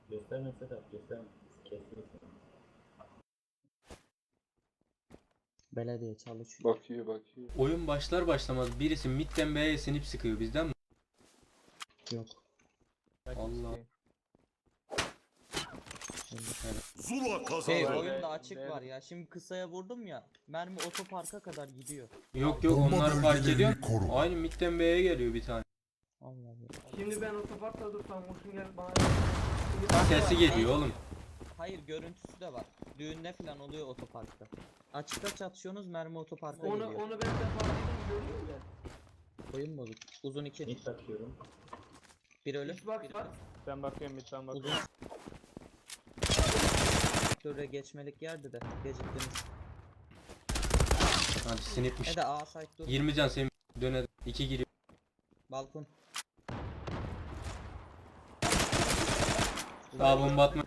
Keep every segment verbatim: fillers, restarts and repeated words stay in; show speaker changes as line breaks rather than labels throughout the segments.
Gösterme Sedat, gösterme. Kesinlikle.
Belediye çalışıyor.
Bakıyor bakıyor.
Oyun başlar başlamaz birisi midden B'ye sinip sıkıyor bizden mi?
Yok.
Allah.
Zula kazandı.
Şey oyunda açık var ya. Şimdi kısaya vurdum ya. Mermi otoparka kadar gidiyor.
Yok yok
Bomba
onları fark
bölgelerini
ediyorum.
koru.
Aynı midden B'ye geliyor bir tane.
Allah Allah.
Şimdi ben otoparkta dursam vursun gelip bana...
Sesi geliyor oğlum.
Hayır görüntüsü de var. Düğünde falan oluyor otoparkta. Açıkta çatışıyorsunuz mermi otoparka
Onu,
geliyor.
onu ben defalarca görüyorum ya.
Oyun bozuk. Uzun iki.
Mid bakıyorum.
Bir ölü.
Xbox
Bir
var.
ölü.
Ben bakıyorum lütfen
Uzun.
bakıyorum.
Şöyle geçmelik yerdi de geciktiniz.
Hadi sinipmiş.
Ne de A site dur.
yirmi can senin döne iki giriyor.
Balkon.
Daha bomba atma.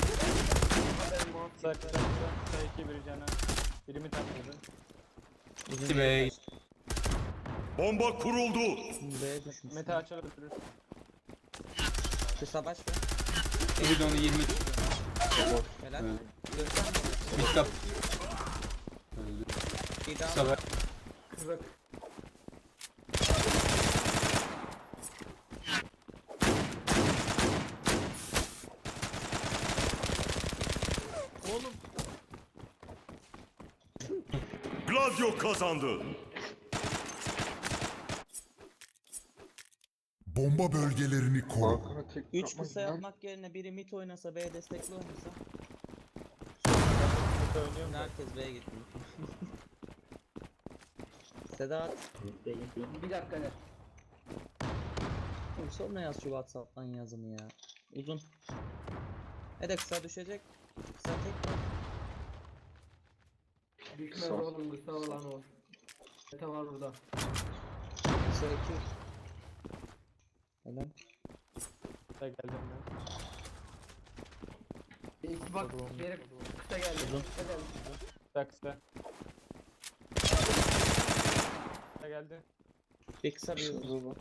Kısa kısa kısa. Kısa iki biri cana. Birimi takladı.
Uzun
İki
yere
B'ye
kaçtı.
Bomba kuruldu.
B'ye düşmüş.
Mete açılır.
Kısa baş ver.
Bir de onu yirmi.
Helal.
Evet.
Gösterme.
Mid kap. Öldü.
Bir daha.
Kısa ver.
Kırık. Oğlum.
Gladio kazandı.
Bomba bölgelerini koru.
Balkona tek
üç
yapmak
kısa
lan.
yapmak yerine biri mid oynasa B'ye destekli oynasa.
Mete oynuyorum da.
Herkes B'ye gitti. Sedat.
Mid'de gideyim.
Bir dakika ne?
Oğlum sonra yaz şu Whatsapp'tan yazını ya. Uzun. Ne de kısa düşecek. Kısa tek.
Düşmez
Kısa.
oğlum kısa olan o. Mete var burada.
Kısa iki. Helal.
Kısa geldim ben.
Xbox geri kısa geldi.
Uzun.
Kısa geldi.
Kısa kısa. Kısa geldi.
Bir kısa bir uzun.
Şurada bak.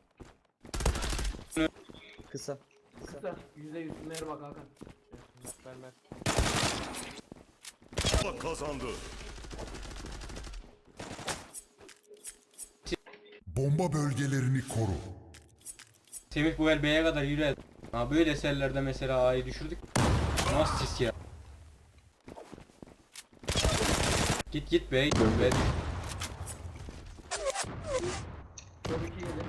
Kısa.
Kısa. Yüzde yüz. Merhaba Hakan.
Ver ver.
Zula kazandı.
Bomba bölgelerini koru.
Semih bu el B'ye kadar yürü. Ha böyle eserlerde mesela A'yı düşürdük. Nasıl sis ya? Git git B'ye git. B.
Çok iyi yedi.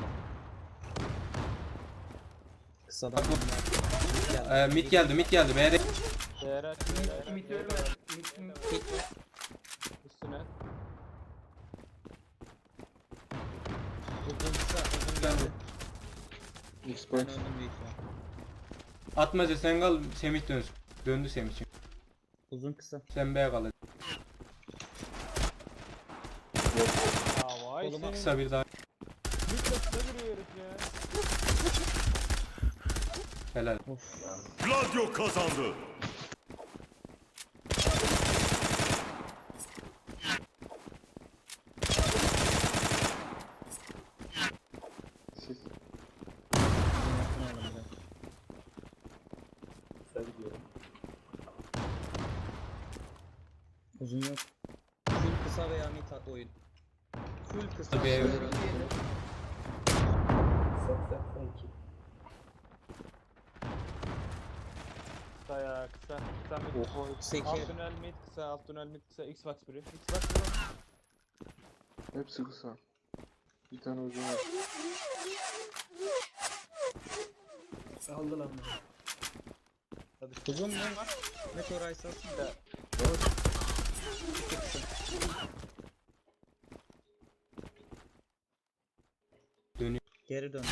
Kısadan.
Ee, mid geldi mid geldi B'ye de.
Değer aç.
Mid mid ölme. Mid mid.
Üstüne.
Uzun kısa. Uzun geldi.
Xbox.
Ben öldüm büyük ihtimal.
Atmaca sen kal Semih dönsün. Döndü Semih çünkü.
Uzun kısa.
Sen B'ye kal.
Ya vay
Koluma
senin.
Kısa bir daha.
Bir kısa giriyor herif ya.
Helal.
Of.
Gladio kazandı.
Siz.
Yapmayalım be.
Kısa gidiyorum.
Uzun yok. Full kısa veya mid oyun. Full kısa.
Tabii,
veya
evet.
mid oyun.
Kısa kısa kısa iki.
Kısa ya kısa. Kısa mid.
Oha.
Kısa iki.
Alt tünel mid kısa. Alt tünel mid kısa. Xbox biri. Xbox biri.
Hepsi kısa. Bir tane uzun var.
Aldı lan.
Hadi.
Uzun mu? Meteor Ice alsın da. İki kısa.
Dönüyor.
Geri dön.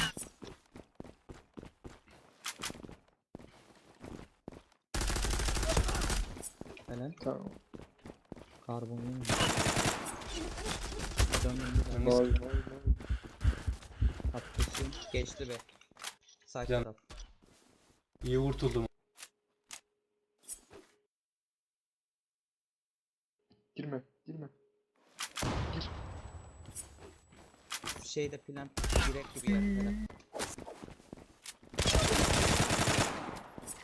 Helal.
Tamam.
Karbon değil mi? Döndüm bir
Dön.
daha.
Vay vay vay.
Haklısın. Geçti be. Sağ
Can.
taraf.
İyi vurtuldum.
Girme. Girme.
Şeyde plan direkt gibi yer. Helal.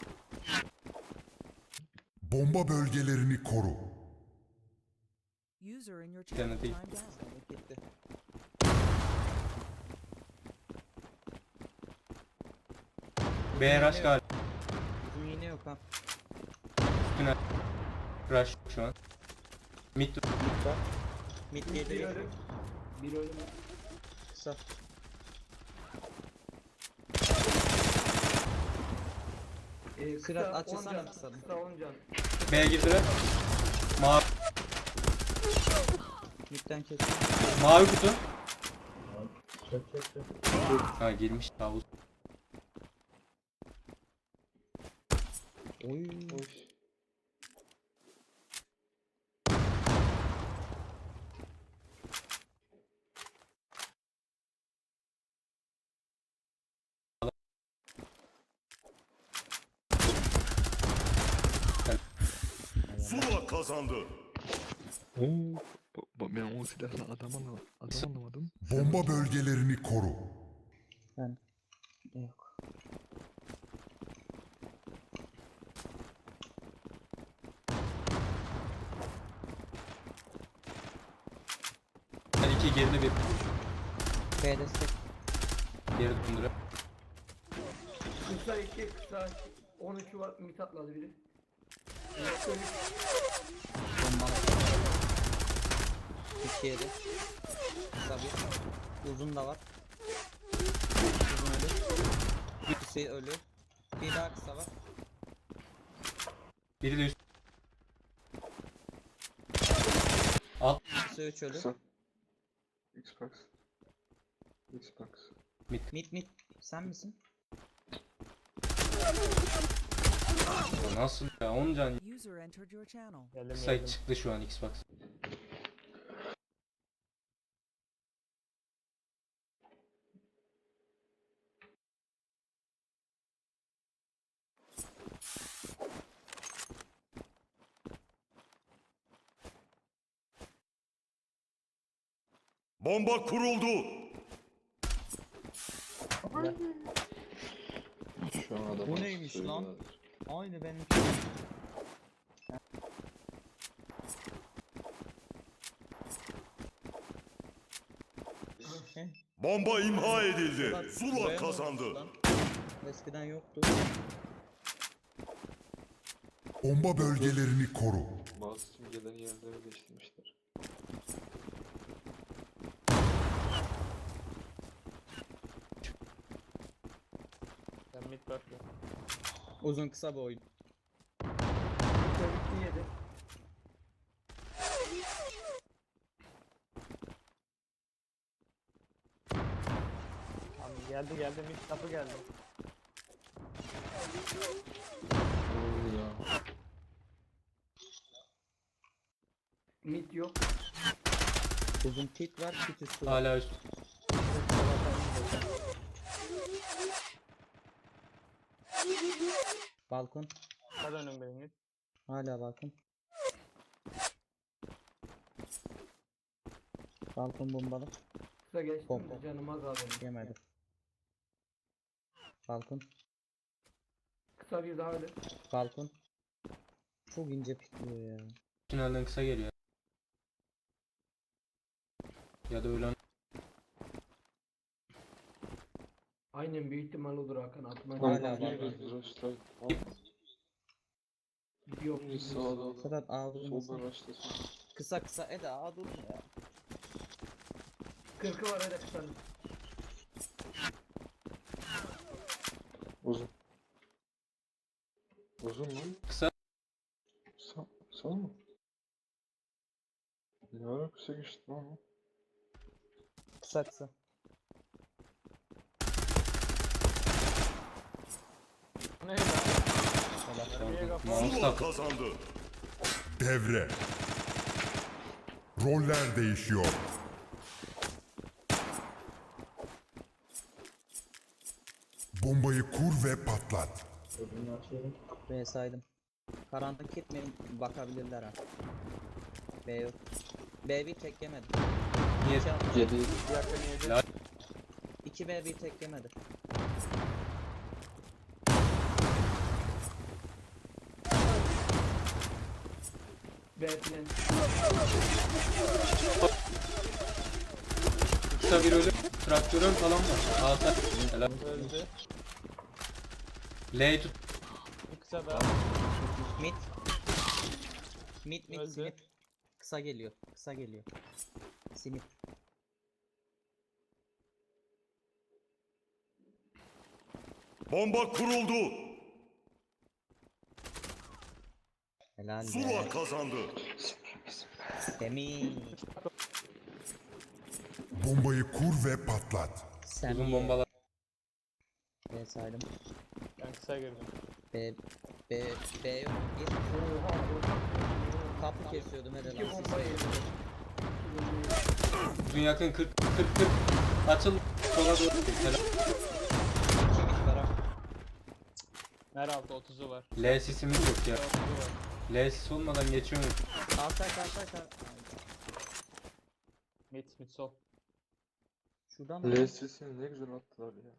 Bomba bölgelerini koru.
User in your
Bir tane
channel
değil.
timed out.
Sağlık gitti.
B rush galiba.
Uzun iğne yok ha.
Üstüne rush şu an. Mid
Mid var. Mid
Bir
geliyor.
ölüm. Bir ölüm.
Kısa.
Ee, kısa
Sırat
on
açılsana
can,
kısa.
Kısa on can.
B'ye girdiler. Mavi,
Midden kes.
mavi kutu.
Çök çök çök.
Ha girmiş tavus.
Oy.
Oy.
Zula kazandı.
Oo. ba- ba- Ben o silahla adam anlamadım. Adam anlamadım.
Bomba bölgelerini koru.
Ben. Yok.
Ben iki geride bir.
B destek.
Geri döndüre.
Kısa iki, kısa iki. on üçü var. Mit atladı biri. Kısa üç.
Bombalı. İki yedi. Kısa bir. Uzun da var. Uzun ölü. İkisi ölü. Bir daha kısa var.
Biri de üst. Alt
Kısa üç ölü.
Kısa. Xbox. Xbox.
Mid mid. Sen misin?
nasıl ya? on can
User entered your channel.
Geldim
kısa
geldim.
çıktı şu an Xbox.
Bomba kuruldu.
Şu an adam.
Bu neymiş lan? Aynı benim. Heh,
Bomba imha edildi.
bak,
Zula
buraya mı
kazandı.
olmuş lan? Eskiden yoktu.
Bomba bölgelerini koru.
Bazı simgelerin yerleri değiştirmişler.
Ben mid bakıyorum.
Uzun kısa bir oyun.
Kısa iki yedi.
Tamam geldi geldi mid kapı geldi.
Oo ya.
Mit yok.
Uzun pit var, pit üstü var.
Hala üst.
Balkon.
Hadi önüm benim mid.
Hala balkon. Balkon bombalı.
Kısa geçtim
Bomba.
de canım az abi.
Yemedi. Balkon.
Kısa bir daha öyle.
Balkon. Çok ince pitliyor ya.
Finalden kısa geliyor. Ya da ölen
Aynen büyük ihtimal odur Hakan. Atma.
Hala
Bir
var.
bir rushlar.
Yok.
Bir sağda.
Sedat A
Soldan
vurmasın.
rushlasın.
Kısa kısa Eda A durma ya.
Kırkı var öyle kısanın.
Uzun. Uzun mu?
kısa.
Sağ, sağ mı? Ne ara kısa geçti lan o?
Kısa kısa.
Ne lan? Nereye kapı?
Mouse
Zula
takı.
kazandı.
Devre. Roller değişiyor. Bombayı kur ve patlat.
Öbürünü açıyorum.
B saydım. Karanlık gitmeyin bakabilirler ha. B yok. B bir tek yemedi.
Niye?
İki, al-
Yedi.
Yakın yedi.
La-
iki B bir tek yemedi.
B plan.
Kısa bir ölü. Traktörün falan var. Alta. Helal.
Öldü.
L'yi tut.
Bir kısa daha.
Mid. Mid mid
Öldü.
sinip. Kısa geliyor. Kısa geliyor. Sinip.
Bomba kuruldu.
Helal
Zula
be.
kazandı.
Semih.
Bombayı kur ve patlat.
Semih.
Uzun bombalar.
B saydım.
Ben kısa girdim.
B. B. B yok. Bir. Kapı kesiyordum hadi
İki
lan.
bomba yedi.
Uzun yakın kırk kırk kırk. Açıl. Sola doğru. Helal.
İki mid var ha.
Mer altı otuzu var.
L sisimiz yok ya.
otuzu var.
L sis olmadan geçiyor mu?
Kalsay kalsay kal.
Mid mid sol.
Şuradan mı?
L sesini ne güzel attılar ya.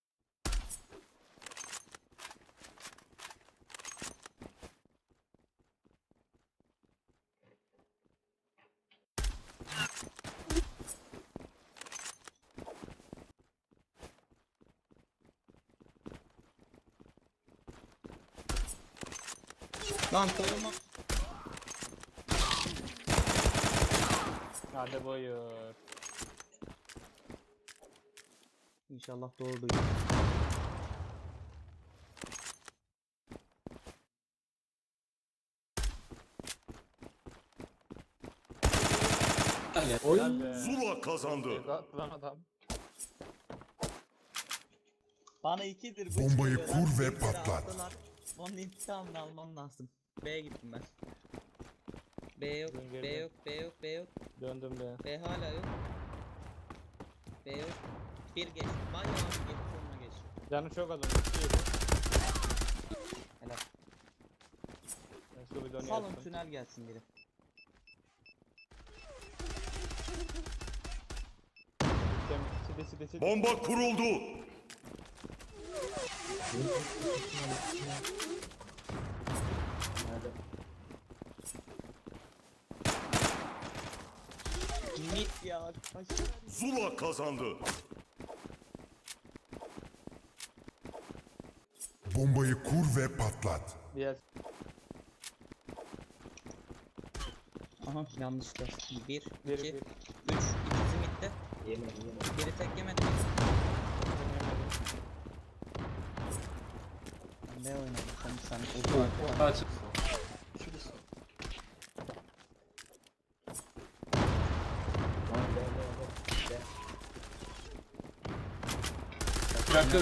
Lan koruma.
Hadi buyur.
İnşallah doğru duyuyor.
Helal be.
Zula kazandı.
Attı lan adam.
Bana ikidir bu
Bombayı
çıkıyor.
kur ve
Bizi
patlat.
attılar. Onun intikamını almam lazım. B'ye gittim ben. B yok,
Dön
B
geri.
yok, B yok, B yok.
Döndüm be.
B hala yok. B yok. Bir geç. Var ya abi geç sonuna geç.
Canı çok adam. İki yedi.
Helal.
Ben şu bir dönüyor.
Salın tünel gelsin biri.
Side side side.
Bomba kuruldu.
Nerede?
Mid ya. Aşağı.
Zula kazandı.
Bombayı kur ve patlat.
Diğer.
Aha yanlışlıkla. Bir,
Bir,
iki,
bir.
üç. İkisi midde.
Yemedim yemedim.
Biri tek yemedi. Ben ne oynadım sen sen uzun arkadan.
Açıl.
Lan gel gel gel. Gel.
Traktör.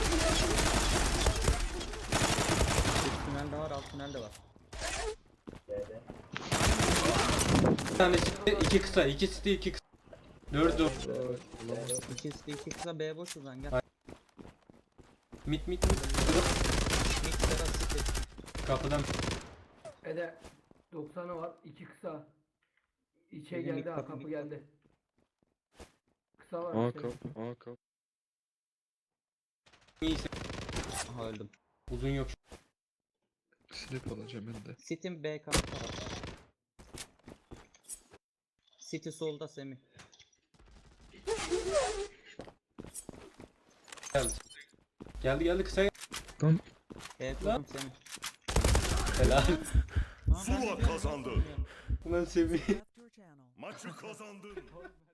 Üst tünel de var alt tünel de var.
Gel.
Bir tane site, iki kısa. iki site, iki kısa. Dördü.
İkisi de iki kısa B boş uzan gel.
Ay. Mit mit mit.
Mid Serhat City.
Kapıdan.
Ede doksanı var. iki kısa. İçe
Bizim
geldi
ilk
ha
kapı,
kapı
ilk
geldi. Kısa var.
A
işte.
kap, A kap.
İyiyse.
Aha öldüm.
Uzun yok.
Slip alacağım ben de.
City'm B kampta var. City solda Semih.
Geldi. Geldi geldi kısa.
Lan
B kurdum Semih.
Helal.
Aa, ben
Zula
biliyorum,
kazandı.
bilmiyorum.
Ulan seviye.
Maçı kazandın.